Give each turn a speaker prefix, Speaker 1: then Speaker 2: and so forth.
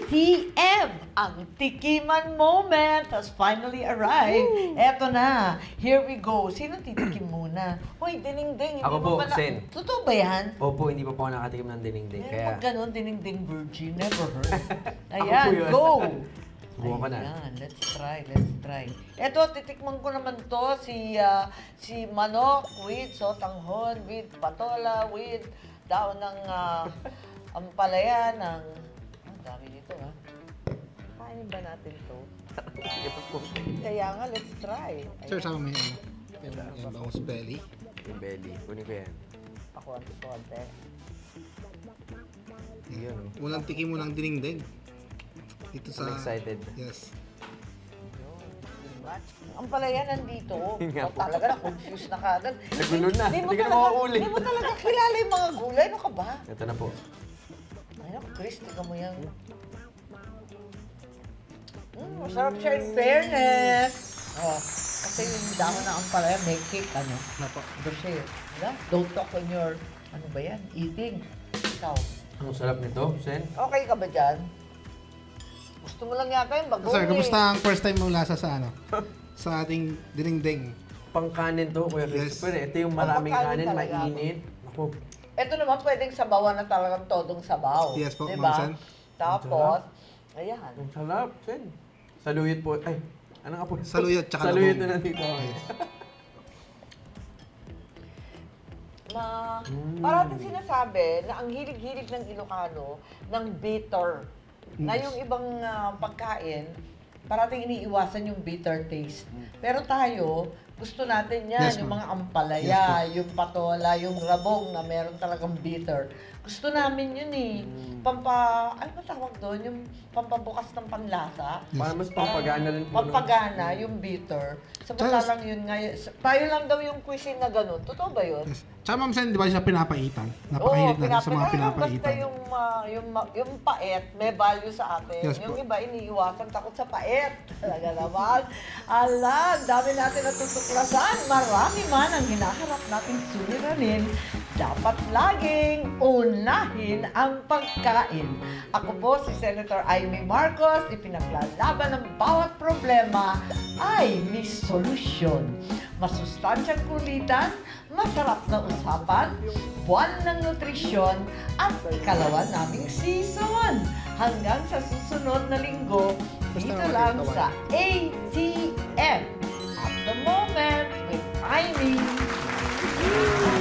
Speaker 1: ATM, ang tikiman moment has finally arrived. Eto na, here we go. Sino titikim muna? Hoy, dinengdeng.
Speaker 2: Ako po, Sen.
Speaker 1: Totoo ba yan?
Speaker 2: Opo, hindi pa po ako nakatikim ng dinengdeng.
Speaker 1: Kaya... Pag ganun, dinengdeng virgin, never heard.
Speaker 2: Ako
Speaker 1: Ayan,
Speaker 2: po yun.
Speaker 1: go!
Speaker 2: Subukan ko na.
Speaker 1: Ayan, let's try. Eto, titikman ko naman to, si manok with sotanghon, with patola, with daon ng ampalaya, ng... Ang dami nito, ha? Kainin ba natin to? Kaya nga, let's try.
Speaker 3: Sir, sama mo yan. Yan bangus belly.
Speaker 2: Yung belly. Kunin ko yan.
Speaker 1: Ako ang konti.
Speaker 2: Yan.
Speaker 3: Unang tikim mo ng dinengdeng. Dito sa...
Speaker 2: I'm excited.
Speaker 3: Yes.
Speaker 1: Ang palaya nandito.
Speaker 2: Yun nga
Speaker 1: O,
Speaker 2: po.
Speaker 1: talaga na-confuse na kagad.
Speaker 2: Nagulo na.
Speaker 1: Hindi mo
Speaker 2: Hindi ka na
Speaker 1: talaga-
Speaker 2: makakuli.
Speaker 1: Hindi mo talaga kilala yung mga gulay. Ano ka ba?
Speaker 2: Ito na po.
Speaker 1: Ay, naku, Chris, tika mo yan. Masarap siya in fairness. Oh, kasi yung damo na ang palaya, may cake, ano?
Speaker 3: Napa.
Speaker 1: Ito siya yun. Wala? Don't talk when you're, ano ba yan? Eating. Ikaw.
Speaker 2: Ang sarap nito, Sen.
Speaker 1: Okay ka ba dyan? Gusto mo lang yata yung bagong
Speaker 3: Sir, kamusta ang first time mo lasa sa ano? Sa ating dinengdeng.
Speaker 2: Pangkanin to, Kuya
Speaker 3: Yes.
Speaker 2: Christopher. Ito yung maraming
Speaker 1: Pangkanin
Speaker 2: kanin,
Speaker 1: talaga.
Speaker 2: mainit. Ako,
Speaker 1: Ito naman pwedeng sabawan na talagang todong sabaw.
Speaker 3: Yes po,
Speaker 1: diba?
Speaker 3: Ma'am Sen.
Speaker 1: Tapos, ayan.
Speaker 2: ang sarap, Sen. Saluyot po. Ay, ano nga po?
Speaker 3: Saluyot tsaka
Speaker 2: Saluyot
Speaker 3: labong.
Speaker 2: na nandito.
Speaker 1: Parating sinasabi na ang hilig-hilig ng Ilocano ng bitter. Na yung ibang pagkain, parating iniiwasan yung bitter taste. Pero tayo, gusto natin yan,
Speaker 3: Yes,
Speaker 1: yung
Speaker 3: ma'am.
Speaker 1: mga ampalaya, yung patola, yung rabong na meron talagang bitter. Gusto namin yun eh. Ano ba tawag doon? Yung pampabukas ng panlasa.
Speaker 2: Para mas pampagana rin po. no?
Speaker 1: Pampagana, yung bitter. Samantalang yun nga, tayo lang daw yung cuisine na ganun. Totoo ba yun?
Speaker 3: Yes. Tsaka Ma'am Sen, di ba siya pinapaitan? Napakahilig natin sa mga
Speaker 1: Basta
Speaker 3: pinapaitan.
Speaker 1: yung pait, may value sa atin.
Speaker 3: Yes
Speaker 1: Yung
Speaker 3: po.
Speaker 1: iba, iniiwasan takot sa pait. Talaga naman. Ala, dami natin natutuklasan. Marami man ang hinaharap nating suliranin. Dapat laging unahin ang pagkain. Ako po si Senator Amy Marcos, ipinaglalaban ng bawat problema ay may solusyon. Masustansyang kulitan, masarap na usapan, buwan ng nutrisyon, at ikalawa naming season. Hanggang sa susunod na linggo, dito lang sa ATM. At the moment, with Amy.